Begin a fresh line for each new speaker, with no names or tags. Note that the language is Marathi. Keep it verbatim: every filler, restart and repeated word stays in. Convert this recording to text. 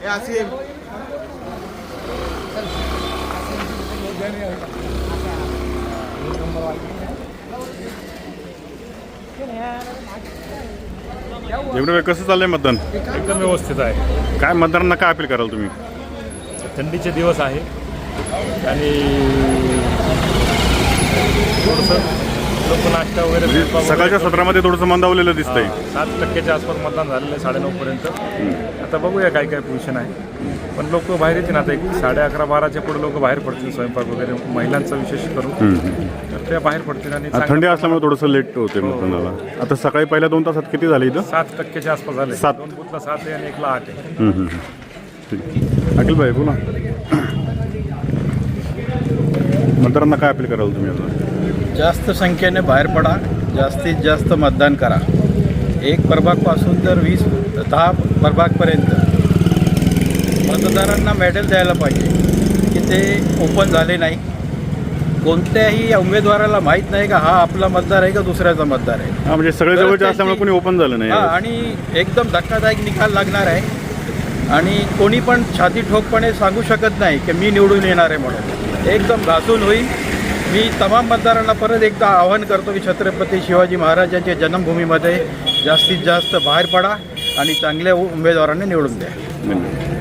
एवढं कसं चाललंय मतदान?
एकदम व्यवस्थित आहे.
काय मतदारांना काय अपील कराल तुम्ही?
थंडीचे दिवस आहे आणि थोडंसं लोक नाश्ता वगैरे स्वयंपाक
सकाळच्या
वगैरे
सत्रामध्ये थोडंसं मंदावलेलं दिसतंय.
सात टक्क्याच्या आसपास मतदान झालेलं आहे साडेनऊ पर्यंत. आता बघूया काय काय पोझिशन आहे, पण लोक बाहेर येतील. आता एक साडे अकरा बाराच्या पुढे लोक बाहेर पडतील, स्वयंपाक वगैरे महिलांचा विशेष करून तर त्या बाहेर पडतील. आणि
थंडी असल्यामुळे थोडंसं लेट होते मतदानाला. आता सकाळी पहिल्या दोन तासात किती झाले इथं?
सात टक्क्याच्या आसपास झाले.
सात.
दोन बुथला सात आहे आणि एकला आठ आहे.
हम्म, हम्म. ठीक. अखिल भाई बोला, मतदारांना काय अपील कराल तुम्ही आता?
जास्त संख्येने बाहेर पडा, जास्तीत जास्त मतदान करा. एक प्रभागपासून तर वीस दहा प्रभागपर्यंत मतदारांना मेडल द्यायला पाहिजे की ते ओपन झाले नाही. कोणत्याही उमेदवाराला माहीत नाही का हा आपला मतदार आहे का दुसऱ्याचा मतदार आहे.
हा, म्हणजे सगळे जवळचे असल्यामुळे कोणी ओपन झालं नाही.
हां, आणि एकदम धक्कादायक निकाल लागणार आहे. आणि कोणी पण छाती ठोकपणे सांगू शकत नाही की मी निवडून येणार आहे म्हणून. एकदम घासून होईल. मी तमाम मतदारांना परत एकदा आवाहन करतो की छत्रपती शिवाजी महाराजांच्या जन्मभूमीमध्ये जास्तीत जास्त बाहेर पडा आणि चांगल्या उमेदवारांनी निवडून द्या.
धन्यवाद.